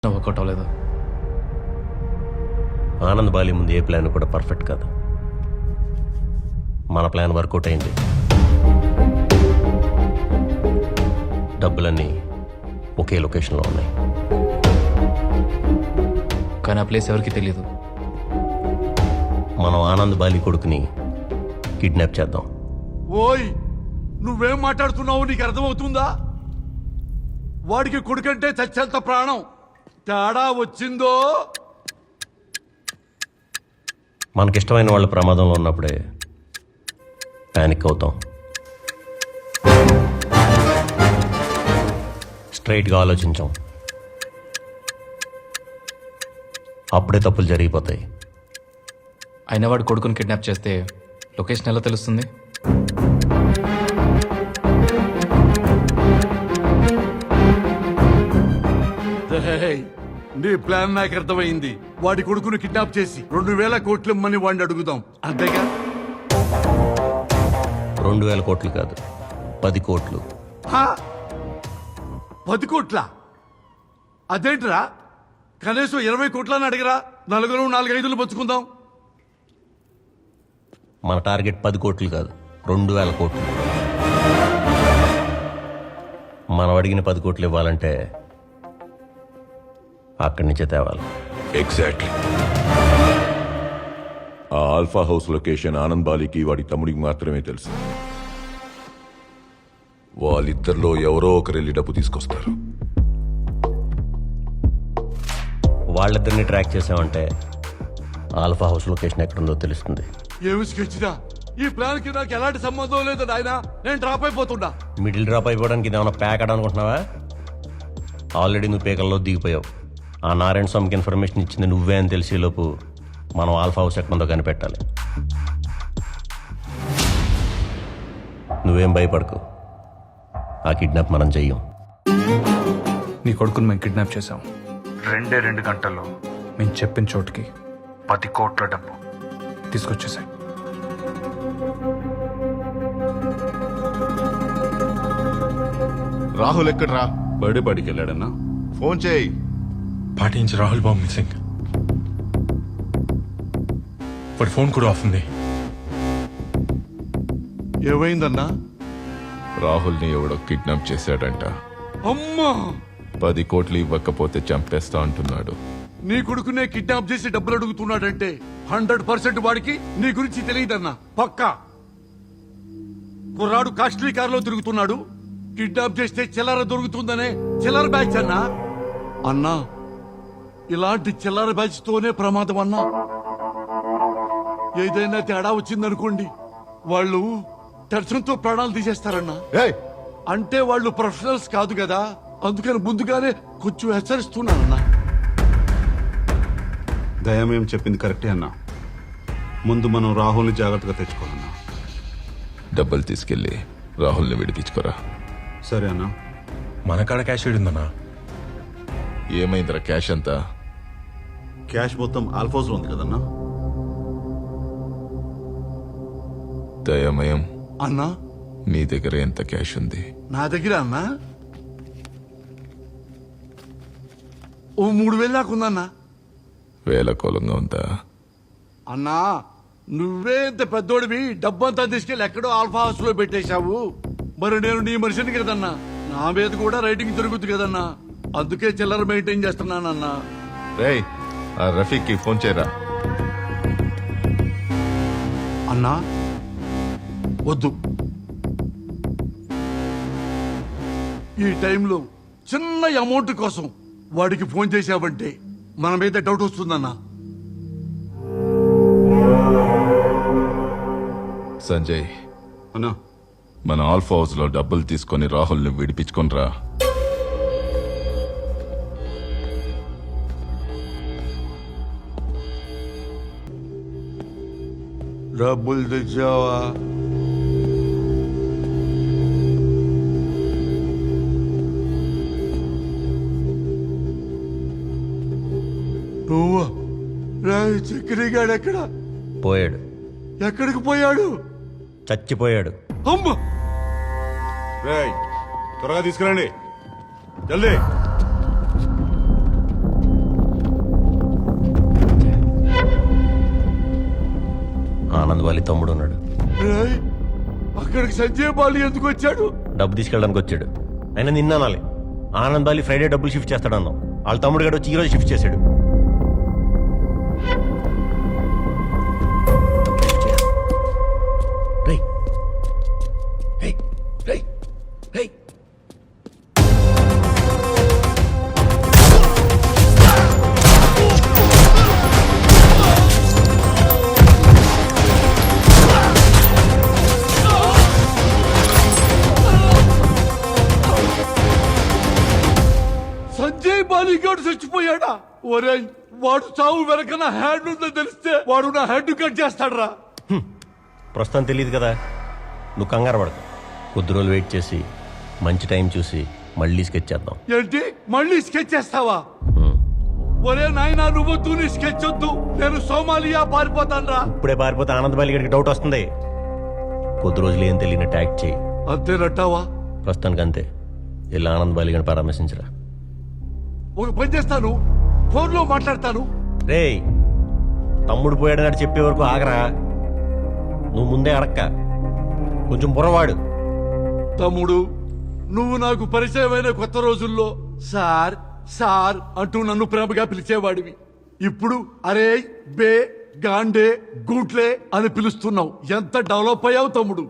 Work out అవ్వలేదు. Anand Bali ముందు ఏ plan కూడా పర్ఫెక్ట్ కాదు. మన ప్లాన్ వర్కౌట్ అయింది. డబ్బులన్నీ ఒకే లొకేషన్లో ఉన్నాయి. కానీ ఆ ప్లేస్ ఎవరికి తెలియదు. మనం ఆనంద్ బాలి కొడుకుని కిడ్నాప్ చేద్దాం. ఓయ్, నువ్వేం మాట్లాడుతున్నావు? నీకు అర్థమవుతుందా? వాడికి కొడుకంటే చచ్చేంత ప్రాణం. తేడా వచ్చిందో మనకిష్టమైన వాళ్ళ ప్రమాదంలో ఉన్నప్పుడే ప్యానిక్ అవుతాం. స్ట్రైట్గా ఆలోచించాం, అప్పుడే తప్పులు జరిగిపోతాయి. అయినా వాడు కొడుకుని కిడ్నాప్ చేస్తే లొకేషన్ ఎలా తెలుస్తుంది? రేయ్, నీ ప్లాన్ నాకు అర్థమైంది. వాడి కొడుకును కిడ్నాప్ చేసి 2000 కోట్లు ఇమ్మని వాడిని అడుగుదాం, అంతేగా? 2000 కోట్లు కాదు, 10 కోట్లు. 10 కోట్ల? అదేంట్రా, కనీసం 20 కోట్లని అడిగరా. నలుగురు 4-5 పంచుకుందాం. మన టార్గెట్ 10 కోట్లు కాదు, 2000 కోట్లు. మనం అడిగిన 10 కోట్లు ఇవ్వాలంటే అక్కడి నుంచే తేవాలి. ఎగ్జాక్ట్లీ. ఆ ఆల్ఫా హౌస్ లొకేషన్ ఆనంద్ బాలికి వాడి తమ్ముడికి మాత్రమే తెలుసు. వాళ్ళిద్దరిలో ఎవరో ఒకరు వెళ్ళి డబ్బు తీసుకొస్తారు. వాళ్ళిద్దరిని ట్రాక్ చేసామంటే ఆల్ఫా హౌస్ లొకేషన్ ఎక్కడుందో తెలుస్తుంది. ఏమి స్కెచ్దా? ఈ ప్లాన్ కి నాకు ఎలాంటి సంబంధం లేదు నాయనా. నేను డ్రాప్ అయిపోతున్నా. మిడిల్ డ్రాప్ అయిపోవడానికి ఇదేమన్నా ప్యాక్ అనుకుంటున్నావా? ఆల్రెడీ నువ్వు పేకల్లో దిగిపోయావు. ఆ నారాయణ స్వామికి ఇన్ఫర్మేషన్ ఇచ్చింది నువ్వే అని తెలిసేలోపు మనం ఆల్ఫా హౌస్ ఎక్కడుందో కనిపెట్టాలి. నువ్వేం భయపడకు, ఆ కిడ్నాప్ మనం చెయ్యం. నీ కొడుకుని మేము కిడ్నాప్ చేసాం. 2 గంటల్లో మేము చెప్పిన చోటుకి 10 కోట్ల డబ్బు తీసుకొచ్చేసాయి. రాహుల్ ఎక్కడ్రా? బర్త్డే పార్టీకి వెళ్ళాడన్నా? ఫోన్ చేయి. పార్టీ నుంచి రాహుల్ బాబు మిస్సింగ్. వాడి ఫోన్ కూడా ఆఫ్ ఉంది. ఏమైందన్నా? రాహుల్ని ఎవడో కిడ్నాప్ చేశాడంట. అమ్మా, 10 కోట్లు ఇవ్వకపోతే చంపేస్తా అంటున్నాడు. నీ కొడుకునే కిడ్నాప్ చేసి డబ్బులు అడుగుతున్నాడంటే 100% వాడికి నీ గురించి తెలియదన్నా. పక్కా. కుర్రాడు కాస్ట్లీ కారులో తిరుగుతున్నాడు. కిడ్నాప్ చేస్తే చిల్లర దొరుకుతుందనే చిల్లర బ్యాచ్ అన్నా. అన్నా, ఇలాంటి చిల్లర బ్యాచ్ తోనే ప్రమాదం అన్నా. ఏదైనా తేడా వచ్చిందనుకోండి, వాళ్ళు టెన్షన్తో ప్రాణాలు తీసేస్తారన్నా. ఏయ్, అంటే వాళ్ళు ప్రొఫెషనల్స్ కాదు కదా, అందుకని ముందుగానే కొంచెం హెచ్చరిస్తున్నానన్నా. దయమేం చెప్పింది కరెక్టే అన్నా. ముందు మనం రాహుల్ని జాగ్రత్తగా తెచ్చుకోవాలన్నా. డబ్బులు తీసుకెళ్లి రాహుల్ని విడిపించుకోరా. సరే అన్నా. మన కాడ క్యాష్ ఉందన్నా. ఏమైందిరా క్యాష్ అంతా? క్యాష్ మొత్తం ఆల్ఫోస్ లో ఉంది కదన్నా. దయమయం, అన్నా, నీ దగ్గర ఎంత క్యాష్ ఉంది? నా దగ్గర అన్నా ఓ 3000 దాకా ఉందన్నా. వేలకోలంగా ఉందా? అన్నా, నువ్వే ఇంత పెద్దోడివి, డబ్బంతా తీసుకెళ్లి ఎక్కడో ఆల్ఫా హౌస్ లో పెట్టేశావు. మరి నేను నీ మనిషిని కదన్నా, నా మీద కూడా రైటింగ్ జరుగుతుంది కదన్నా. అందుకే చిల్లర మెయింటైన్ చేస్తున్నానన్నా. రేయ్, ఆ రఫీక్ కి ఫోన్ చేయరా. అన్నా, వద్దు. ఈ టైంలో చిన్న అమౌంట్ కోసం వాడికి ఫోన్ చేశావంటే మన మీద డౌట్ వస్తుందన్నా. సంజయ్, అన్నా, మన ఆల్ఫా హౌస్ లో డబ్బులు తీసుకొని రాహుల్ని విడిపించుకొనిరా. డబ్బులు తెచ్చావా? నువ్వా? రాయ్, చక్రిగాడు ఎక్కడ? పోయాడు. ఎక్కడికి పోయాడు? చచ్చిపోయాడు. అమ్మ, రేయ్, త్వరగా తీసుకురండి. జల్దీ. ఆనంద్ బాలి తమ్ముడు ఉన్నాడు. ఏయ్, అక్కడికి సంజయ్ బాలి ఎందుకు వచ్చాడు? డబ్బు తీసుకెళ్ళడానికి వచ్చాడు. అయినా నిన్న అనాలి, ఆనంద్ బాలి ఫ్రైడే డబ్బులు షిఫ్ట్ చేస్తాడన్నావు. వాళ్ళ తమ్ముడు గడు వచ్చి ఈరోజు షిఫ్ట్ చేశాడు. రేయ్, రేయ్, రేయ్, రేయ్. సంజయ్ బాలి గారు చచ్చిపోయాడా? ఒరేయ్, వాడు చావు వెనక నా హ్యాండ్ ఉందని తెలిస్తే వాడు నా హెడ్ కట్ చేస్తాడరా. ప్రస్తుతం తెలియదు కదా, నువ్వు కంగారు పడకు. కొద్ది రోజులు వెయిట్ చేసి మంచి టైం చూసి మళ్ళీ స్కెచ్ చేద్దాం. ఏంటి, మళ్ళీ స్కెచ్ చేస్తావా? ఒరే నాయనా, నువ్వొద్దు, నీ స్కెచ్ వద్దు. నేను సోమాలియా పారిపోతానురా. ఇప్పుడే పారిపోతే ఆనంద్ బాలి గడికి డౌట్ వస్తుంది. కొద్ది రోజులు ఏం తెలియనట్టు యాక్ట్ చేయి. అంతేనట్టావా? ప్రస్తుతానికి అంతే. ఇలా ఆనంద్ బాలి గడిని పరామర్శించరా. ఒక పని చేస్తాను, ఫోన్ లో మాట్లాడతాను. రేయ్, తమ్ముడు పోయాడని చెప్పే వరకు ఆగరా. నువ్వు ముందే అడక్క, కొంచెం బుర్రవాడు. తమ్ముడు, నువ్వు నాకు పరిచయమైన కొత్త రోజుల్లో సార్ సార్ అంటూ నన్ను ప్రేమగా పిలిచేవాడివి. ఇప్పుడు అరే, బే, గాండే, గూట్లే అని పిలుస్తున్నావు. ఎంత డెవలప్ అయ్యావు తమ్ముడు.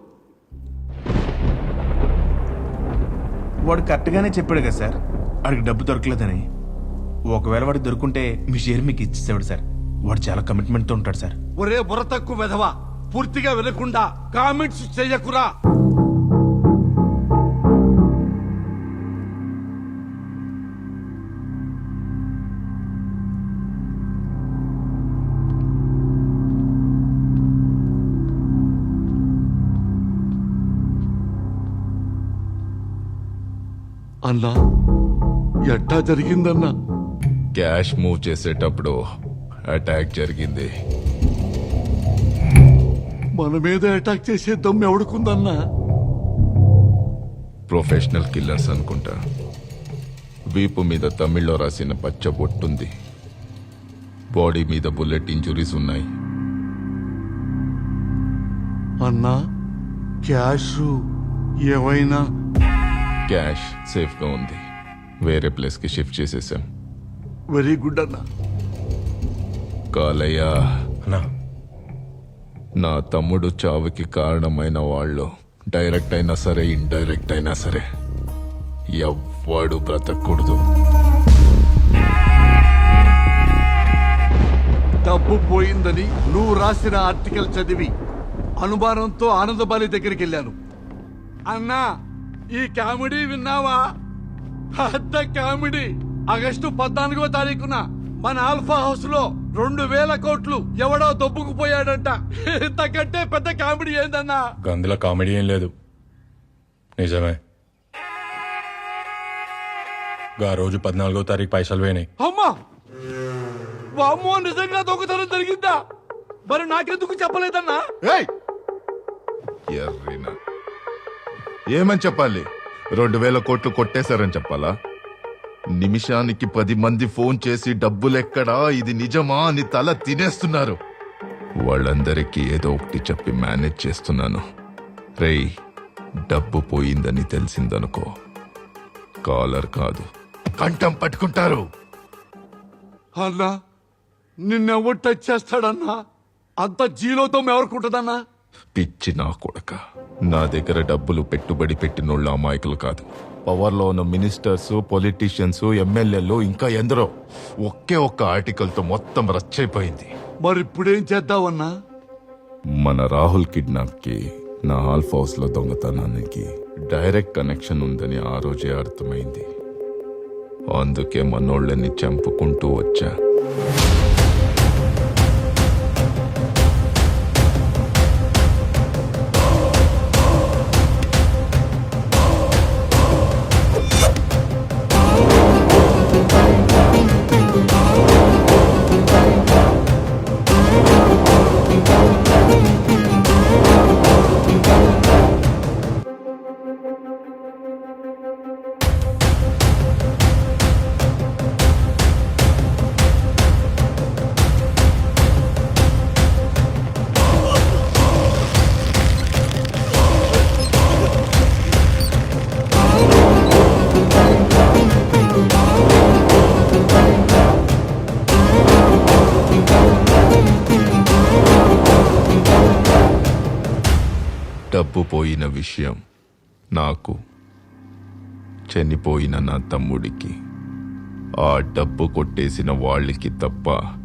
వాడు కరెక్ట్గానే చెప్పాడు కదా సార్, వాడికి డబ్బు దొరకలేదని. ఒకవేళ వాడికి దొరుకుంటే మీ షేర్ మీకు ఇచ్చేసేవాడు సార్. వాడు చాలా కమిట్మెంట్తో ఉంటాడు సార్. ఒరే బుర్ర తక్కువ వెధవా, పూర్తిగా వినకుండా కామెంట్స్ చెయ్యకురా. అన్నా, ఎట్టా జరిగిందన్నా? క్యాష్ మూవ్ చేసేటప్పుడు అటాక్ జరిగింది. మన మీద అటాక్ చేసే దమ్ము ఎవడుకుందన్నా? ప్రొఫెషనల్ కిల్లర్స్ అనుకుంటా. వీపు మీద తమిళ్లో రాసిన పచ్చ బొట్టుంది. బాడీ మీద బుల్లెట్ ఇంజురీస్ ఉన్నాయి. అన్నా, క్యాష్ ఏమైనా? క్యాష్ సేఫ్ గా ఉంది. వేరే ప్లేస్ కి షిఫ్ట్ చేసేసాం. వెరీ గుడ్ అన్నా. కాలయ్య, అన్నా, నా తమ్ముడు చావుకి కారణమైన వాళ్ళు డైరెక్ట్ అయినా సరే, ఇండైరెక్ట్ అయినా సరే, ఎవ్వడు బ్రతకూడదు. డబ్బు పోయిందని నువ్వు రాసిన ఆర్టికల్ చదివి అనుమానంతో ఆనందబాలి దగ్గరికి వెళ్ళాను. అన్నా, ఈ కామెడీ విన్నావా? పెద్ద కామెడీ. ఆగస్టు 14వ తారీఖున మన ఆల్ఫా హౌస్ లో 2,000 కోట్లు ఎవడో దొబ్బుకుపోయాడంట. ఇంతకంటే పెద్ద కామెడీ ఏందన్నా? గందులో కామెడీ ఏం లేదు, నిజమే. గా రోజు 14వ తారీఖు పైసలు పోయినాయి. అమ్మా, వామ్మో, నిజంగా దొంగతనం జరిగిందా? మరి నాకెందుకు చెప్పలేదన్నా? ఏయ్! ఎర్రినా. ఏమని చెప్పాలి? 2,000 కోట్లు కొట్టేశారని చెప్పాలా? నిమిషానికి 10 మంది ఫోన్ చేసి డబ్బులెక్కడా, ఇది నిజమా అని తల తినేస్తున్నారు. వాళ్ళందరికీ ఏదో ఒకటి చెప్పి మేనేజ్ చేస్తున్నాను. రేయ్, డబ్బు పోయిందని తెలిసిందనుకో, కాలర్ కాదు కంఠం పట్టుకుంటారు. అన్నా, నిన్నెవరు టచ్ చేస్తాడన్నా? అంత జీలోతో ఎవరుకుంటుందన్నా? పిచ్చి నా కొడక. నా దగ్గర డబ్బులు పెట్టుబడి పెట్టినోళ్ళ అమాయకులు కాదు. పవర్లో ఉన్న మినిస్టర్స్, పొలిటీషియన్స్, ఎమ్మెల్యేలు, ఇంకా ఎందరో. ఒకే ఒక్క ఆర్టికల్తో మొత్తం రచ్చైపోయింది. మరి ఇప్పుడేం చేద్దామన్నా? మన రాహుల్ కిడ్నాప్ కి, నా ఆల్ఫ్ హౌస్ లో దొంగతనానికి డైరెక్ట్ కనెక్షన్ ఉందని ఆ రోజే అర్థమైంది. అందుకే మనోళ్ళని చంపుకుంటూ వచ్చా. డబ్బు పోయిన విషయం నాకు, చనిపోయిన నా తమ్ముడికి, ఆ డబ్బు కొట్టేసిన వాళ్ళకి తప్ప